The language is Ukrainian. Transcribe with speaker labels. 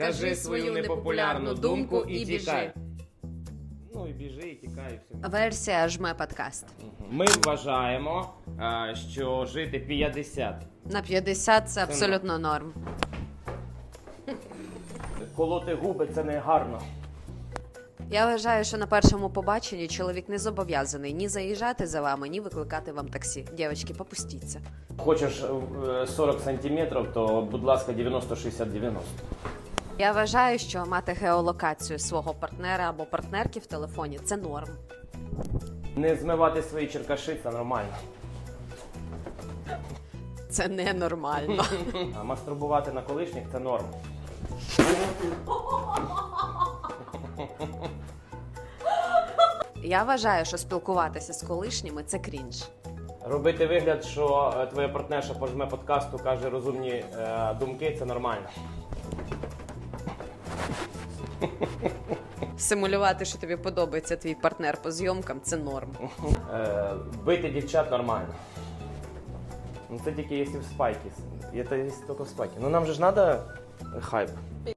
Speaker 1: Кажи свою непопулярну думку і біжи.
Speaker 2: Ну і біжи, і тікай, і все.
Speaker 1: Версія «Жме подкаст».
Speaker 2: Ми вважаємо, що жити 50.
Speaker 1: На 50 це абсолютно норм.
Speaker 2: Колоти губи – це не гарно.
Speaker 1: Я вважаю, що на першому побаченні чоловік не зобов'язаний ні заїжджати за вами, ні викликати вам таксі. Дівчатки, попустіться.
Speaker 2: Хочеш 40 сантиметрів, то, будь ласка, 90-60-90.
Speaker 1: Я вважаю, що мати геолокацію свого партнера або партнерки в телефоні – це норм.
Speaker 2: Не змивати свої черкаши – це нормально.
Speaker 1: Це ненормально.
Speaker 2: А мастурбувати на колишніх – це норм.
Speaker 1: Я вважаю, що спілкуватися з колишніми – це крінж.
Speaker 2: Робити вигляд, що твоя партнерша по жме подкасту каже розумні думки – це нормально.
Speaker 1: Симулювати, що тобі подобається твій партнер по зйомкам – це норм.
Speaker 2: Бити дівчат нормально. Ну це тільки якщо в спайки. Це тільки в спайки. Ну нам же ж треба хайп.